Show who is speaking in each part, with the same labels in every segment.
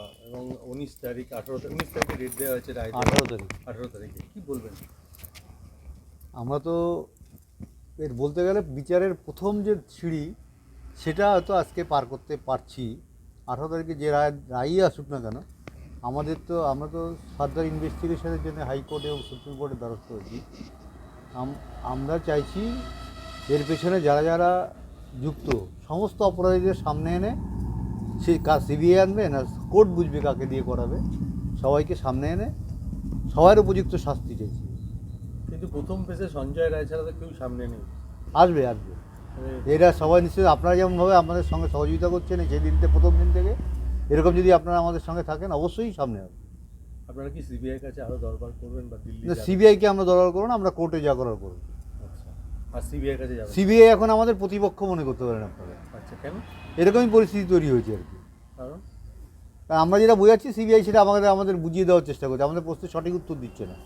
Speaker 1: এবং 19 তারিখে ডেট দেওয়া হয়েছে, রায় 18 তারিখে কী বলবেন?
Speaker 2: আমরা তো এর বলতে গেলে বিচারের প্রথম যে সিঁড়ি সেটা হয়তো আজকে পার করতে পারছি। 18 তারিখে যে রায়ই আসুক না কেন, আমরা তো ফার্দার ইনভেস্টিগেশনের জন্য হাইকোর্ট এবং সুপ্রিম কোর্টের দ্বারস্থ হয়েছি। আমরা চাইছি এর পেছনে যারা যারা যুক্ত সমস্ত অপরাধীদের সামনে এনে সে কাজ সিবিআই আনবে না কোর্ট বুঝবে কাকে দিয়ে করাবে, সবাইকে সামনে এনে সবার উপযুক্ত শাস্তি চাইছি।
Speaker 1: কিন্তু প্রথম পেজে সঞ্জয় রায় ছাড়া তো কেউ সামনে নেই।
Speaker 2: আসবে এরা সবাই নিশ্চয়ই আপনারা যেমনভাবে আমাদের সঙ্গে সহযোগিতা করছেন সেই দিনতে প্রথম দিন থেকে, এরকম যদি আপনারা আমাদের সঙ্গে থাকেন অবশ্যই সামনে হবে।
Speaker 1: আপনারা কি সিবিআই কাছে আরও দরবার করবেন বা দিল্লি?
Speaker 2: সিবিআইকে আমরা দরবার করবো না, আমরা কোর্টে যা করার করবো।
Speaker 1: আচ্ছা, আর সিবিআই কাছে যাবেন?
Speaker 2: সিবিআই এখন আমাদের প্রতিপক্ষ মনে করতে পারেন আপনারা।
Speaker 1: আচ্ছা, কেন?
Speaker 2: এরকমই পরিস্থিতি তৈরি হয়েছে আর কি।
Speaker 1: কারণ
Speaker 2: আমরা যেটা বোঝাচ্ছি সিবিআই সেটা আমাদের বুঝিয়ে দেওয়ার চেষ্টা করছে, আমাদের প্রশ্নের সঠিক উত্তর দিচ্ছে না।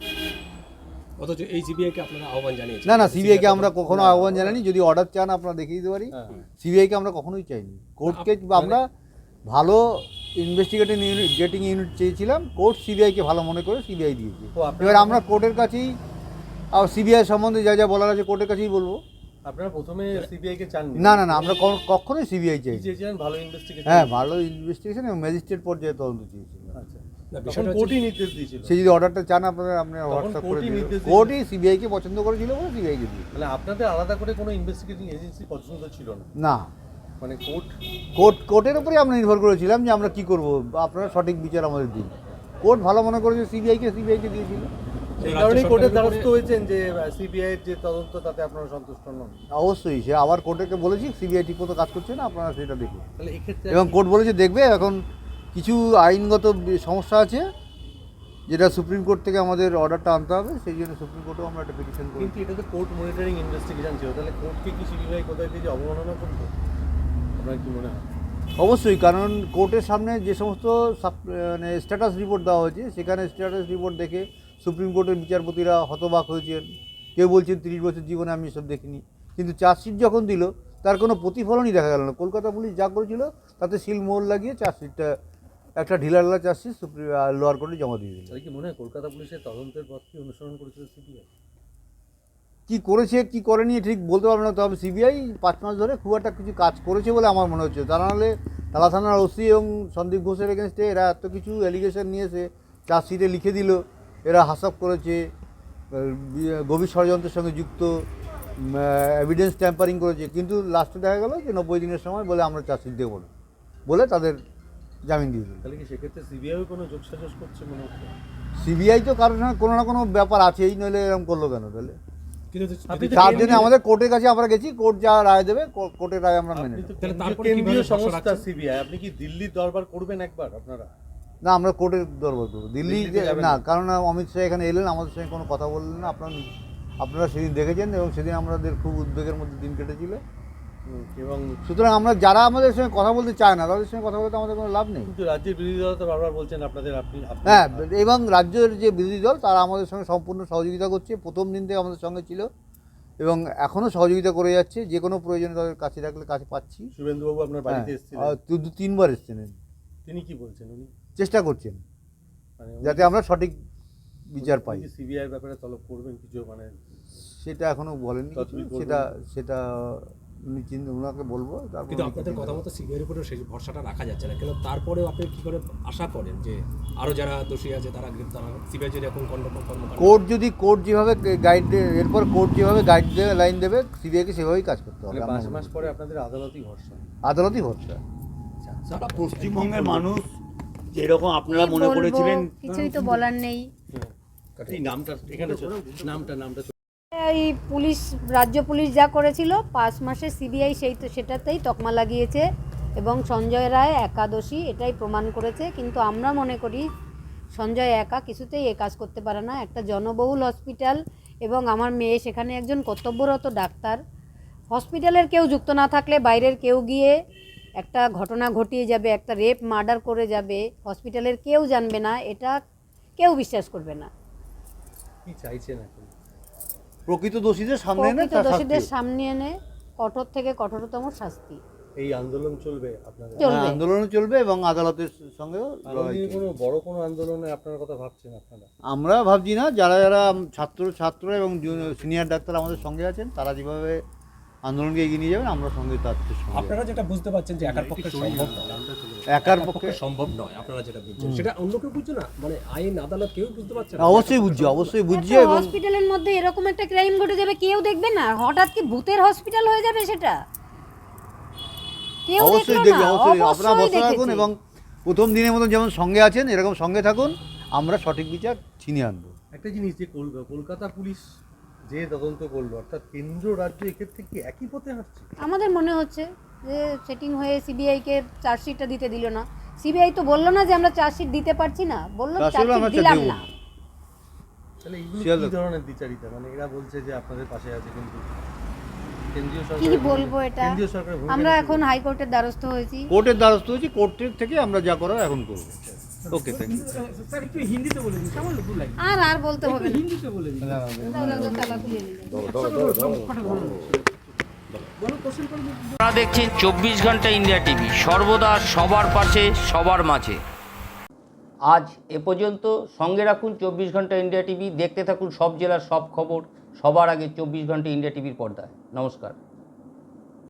Speaker 3: অথচ এই সিবিআইকে আপনারা আহ্বান জানিয়েছেন?
Speaker 2: না, সিবিআইকে আমরা কখনো আহ্বান জানাইনি। যদি অর্ডার চান আপনারা দেখিয়ে দিতে পারি। সিবিআইকে আমরা কখনোই চাইনি। কোর্টকে আমরা ভালো ইনভেস্টিগেটিং ইউনিট চেয়েছিলাম, কোর্ট সিবিআইকে ভালো মনে করে সিবিআই দিয়েছে। এবার আমরা কোর্টের কাছেই সিবিআই সম্বন্ধে যা যা বলার আছে কোর্টের কাছেই বলবো।
Speaker 1: আপনারা প্রথমে সিবিআইকে চান?
Speaker 2: না, আমরা কখনোই সিবিআই চাই।
Speaker 1: চেয়েছিলেন ভালো ইনভেস্টিগেশন?
Speaker 2: হ্যাঁ, ভালো ইনভেস্টিগেশন এবং ম্যাজিস্ট্রেট পর্যায়ে তদন্ত চেয়েছিল।
Speaker 1: আচ্ছা, কোর্টই নির্দেশ দিয়েছিল।
Speaker 2: সে যদি অর্ডারটা চান আপনারা হোয়াটসঅ্যাপ করে দিন। কোর্টই সিবিআইকে পছন্দ করেছিল বলে সিবিআইকে দিয়েছে।
Speaker 1: মানে আপনাদের আলাদা করে কোনো ইনভেস্টিগেটিং এজেন্সি পছন্দ ছিল না?
Speaker 2: না,
Speaker 1: মানে
Speaker 2: কোর্টের উপরেই আমরা নির্ভর করেছিলাম যে আমরা কি করব, আপনারা সঠিক বিচার আমাদের দিন। কোর্ট ভালো মনে করেছে সিবিআইকে দিয়েছিল।
Speaker 1: সেই কারণেই কোর্টের দ্বারস্থ হয়েছেন যে সিবিআইয়ের যে তদন্ত তাতে আপনারা সন্তুষ্ট নন?
Speaker 2: অবশ্যই, সে আবার কোর্টকে বলেছি সিবিআই ঠিক মতো কাজ করছে না, আপনারা সেটা দেখুন।
Speaker 1: তাহলে এক্ষেত্রে
Speaker 2: এবং কোর্ট বলেছে দেখবে। এখন কিছু আইনগত সমস্যা আছে যেটা সুপ্রিম কোর্ট থেকে আমাদের অর্ডারটা আনতে হবে, সেই জন্য সুপ্রিম কোর্টেও আমরা একটা পিটিশন করি।
Speaker 1: কিন্তু এটা তো কোর্ট মনিটরিং ইনভেস্টিগেশন ছিল, তাহলে কোর্টকে কি সিবিআই কোথায় থেকে অবমাননা করতো? আপনার কি মনে হয়?
Speaker 2: অবশ্যই, কারণ কোর্টের সামনে যে সমস্ত মানে স্ট্যাটাস রিপোর্ট দেওয়া হয়েছে সেখানে স্ট্যাটাস রিপোর্ট দেখে সুপ্রিম কোর্টের বিচারপতিরা হতবাক হয়েছেন। কেউ বলছেন 30 বছর জীবনে আমি এসব দেখিনি। কিন্তু চার্জশিট যখন দিল তার কোনো প্রতিফলনই দেখা গেল না। কলকাতা পুলিশ যা করেছিল তাতে সিল মোহর লাগিয়ে চার্জশিটটা একটা ঢিলাঢালা চার্জশিট লোয়ার কোর্টে জমা দিয়ে দিল।
Speaker 1: তাই কি মনে হয় কলকাতা পুলিশের তদন্তের পথকে অনুসরণ করেছিল সিবিআই?
Speaker 2: কী করেছে কী করেনি ঠিক বলতে পারবো না, তবে সিবিআই 5 মাস ধরে খুব একটা কিছু কাজ করেছে বলে আমার মনে হচ্ছে। তা নাহলে তালা থানার ওসি এবং সন্দীপ ঘোষের এগেনস্টে এরা এত কিছু অ্যালিগেশন নিয়েছে, চার্জশিটে লিখে দিল এরা হাসাব করেছে, গভীর ষড়যন্ত্রের সঙ্গে যুক্ত, এভিডেন্স ট্যাম্পারিং করেছে, কিন্তু লাস্টে দেখা গেল যে 90 দিনের সময় বলে আমরা চার্জশিট দেবো না বলে তাদের জামিন দিয়ে দিল।
Speaker 1: তাহলে কি সেক্ষেত্রে সিবিআইও কোনো যোগসাজশ করছে মনে হচ্ছে?
Speaker 2: সিবিআই তো কারোর সঙ্গে কোনো না কোনো ব্যাপার আছেই, নইলে এরকম করলো কেন? তাহলে
Speaker 3: কিন্তু
Speaker 2: তার জন্য আমাদের কোর্টের কাছে আমরা গেছি, কোর্ট যা রায় দেবে কোর্টের রায় আমরা মেনে নেব।
Speaker 1: কেন্দ্রীয় সংস্থা সিবিআই, আপনি কি দিল্লির দরবার করবেন একবার আপনারা?
Speaker 2: না, আমরা কোর্টের দরবার করবো, দিল্লি না, কারণ অমিত শাহ এখানে এলেন, আমাদের সঙ্গে কোনো কথা বললেন না। আপনারা সেদিন দেখেছেন এবং সেদিন আমাদের খুব উদ্বেগের মধ্যে দিন কেটেছিল।
Speaker 1: এবং
Speaker 2: সুতরাং আমরা যারা আমাদের সঙ্গে কথা বলতে চায় না তাদের সঙ্গে কথা বলতে আমাদের কোনো লাভ নেই।
Speaker 1: কিন্তু রাজ্যের বিরোধী দল তো বারবার বলছেন
Speaker 2: হ্যাঁ, এবং রাজ্যের যে বিরোধী দল তারা আমাদের সঙ্গে সম্পূর্ণ সহযোগিতা করছে, প্রথম দিন থেকে আমাদের সঙ্গে ছিল এবং এখনও সহযোগিতা করে যাচ্ছে। যে কোনো প্রয়োজনে তাদের কাছে রাখলে কাছে পাচ্ছি।
Speaker 1: শুভেন্দুবাবু আপনার বাড়িতে এসেছিলেন?
Speaker 2: 2-3 বার এসেছেন।
Speaker 1: তিনি কি বলছেন? উনি
Speaker 2: চেষ্টা করছেন যাতে আমরা সঠিক বিচার পাই।
Speaker 1: সিবিআই ব্যাপারে তলব করবেন কিছু, মানে
Speaker 2: সেটা এখনো বলেননি, সেটা ওনাকে বলবো।
Speaker 3: কিন্তু আপনাদের কথা মতো সিবিআইয়ের উপরে সেই ভরসাটা রাখা যাচ্ছে না কেন? তারপরেও আপনি কি করে আশা করেন যে আরও যারা দোষী আছে তারা গ্রেপ্তার হবে? সিবিআই যদি এখন
Speaker 2: কোর্ট যেভাবে গাইড দেবে, এরপর কোর্ট যেভাবে গাইড দেবে, লাইন দেবে, সিবিআইকে সেভাবেই কাজ করতে হবে।
Speaker 1: 5 মাস পরে আপনাদের আদালতই ভরসা?
Speaker 2: আদালতই ভরসা।
Speaker 4: সারা পশ্চিমবঙ্গের মানুষ যেরকম আপনারা মনে করেছিলেন
Speaker 5: কিছুই তো বলার নেই।
Speaker 1: নামটা এখানে নামটা
Speaker 5: এই রাজ্য পুলিশ যা করেছিল 5 মাসে সিবিআই সেটাতেই তকমা লাগিয়েছে এবং সঞ্জয় রায় একাদশী এটাই প্রমাণ করেছে। কিন্তু আমরা মনে করি সঞ্জয় একা কিছুতেই এ কাজ করতে পারে না। একটা জনবহুল হসপিটাল এবং আমার মেয়ে সেখানে একজন কর্তব্যরত ডাক্তার। হসপিটালের কেউ যুক্ত না থাকলে বাইরের কেউ গিয়ে একটা ঘটনা ঘটিয়ে যাবে, একটা রেপ মার্ডার করে যাবে, হসপিটালের কেউ জানবে না, এটা কেউ বিশ্বাস করবে না।
Speaker 1: কি চাইছেন এখন?
Speaker 2: প্রকৃত দোষীদের সামনে এনে
Speaker 5: কঠোর থেকে কঠোরতম শাস্তি।
Speaker 1: এই আন্দোলন চলবে আপনাদের?
Speaker 5: চলবে।
Speaker 2: আন্দোলনও চলবে এবং আদালতের সঙ্গেও
Speaker 1: আগামী
Speaker 2: লড়াই
Speaker 1: কোনো
Speaker 2: চলবে।
Speaker 1: বড় কোনো আন্দোলনে আপনার কথা ভাবছেন আপনারা?
Speaker 2: আমরা ভাবছি না, যারা যারা ছাত্র এবং সিনিয়র ডাক্তার আমাদের সঙ্গে আছেন, তারা যেভাবে আন্দোলনকে এগিয়ে নিয়ে যাবেন, আমরা সঙ্গে তার সঙ্গে।
Speaker 3: আপনারা যেটা বুঝতে পারছেন যে একার পক্ষে সম্ভব নয়,
Speaker 2: একার পক্ষে
Speaker 3: সম্ভব নয়, আপনারা যেটা বুঝছেন সেটা অন্য কেউ বুঝছে না, মানে আইন আদালত কেউ বুঝতে পারছে না।
Speaker 2: অবশ্যই বুঝছে এবং
Speaker 5: হসপিটালের মধ্যে এরকম একটা ক্রাইম ঘটে যাবে, কেউ দেখবে না? হঠাৎ কি ভূতের হসপিটাল হয়ে যাবে সেটা? কেউ
Speaker 2: অবশ্যই
Speaker 5: দেখলো
Speaker 2: দেখবে,
Speaker 5: না?
Speaker 2: অবশ্যই আপনারা
Speaker 5: অবশ্যই
Speaker 2: বসে থাকুন
Speaker 5: দেখেছে।
Speaker 2: এবং প্রথম দিনের মতন যেমন সঙ্গে আছেন এরকম সঙ্গে থাকুন, আমরা সঠিক বিচার ছিনিয়ে আনবো।
Speaker 1: একটা জিনিস যে কলকাতা পুলিশ যে তদন্ত করলো, অর্থাৎ কেন্দ্র রাজ্য এক্ষেত্রে কি একই পথে হাঁটছে?
Speaker 5: আমাদের মনে হচ্ছে যে সেটিং হয়ে সিবিআইকে চার্জশিটটা দিতে দিল না। সিবিআই তো বললো না যে আমরা চার্জশিট দিতে পারছি না, বললো
Speaker 2: চার্জশিট আমরা
Speaker 5: চার্জশিট দিলাম
Speaker 2: দেবো।
Speaker 5: না।
Speaker 1: তাহলে এগুলো
Speaker 2: শিয়ালদা।
Speaker 1: কি ধরনের দ্বিচারিতা? মানে এরা বলছে যে আপনাদের পাশে আছে, কিন্তু কেন্দ্রীয়
Speaker 5: কি
Speaker 1: সরকার
Speaker 5: বলবো এটা?
Speaker 1: কেন্দ্রীয় সরকারের ভূমিকা
Speaker 5: আমরা
Speaker 1: নিতে
Speaker 5: এখন হাইকোর্টের দ্বারস্থ হয়েছি।
Speaker 2: কোর্টের দ্বারস্থ হয়েছি, কোর্টের থেকে আমরা যা করার এখন করবো। ওকে, থ্যাংক ইউ।
Speaker 5: আর বলতে হবে না। দাও, দাও, দাও, তালা খুলে নিন।
Speaker 6: আপনারা দেখছেন 24 ঘন্টা ইন্ডিয়া টিভি, সর্বদা সবার পাশে সবার মাঝে। আজ এ পর্যন্ত। সঙ্গে রাখুন 24 ঘন্টা ইন্ডিয়া টিভি, দেখতে থাকুন সব জেলার সব খবর সবার আগে 24 ঘন্টা ইন্ডিয়া টিভির পর্দায়। নমস্কার।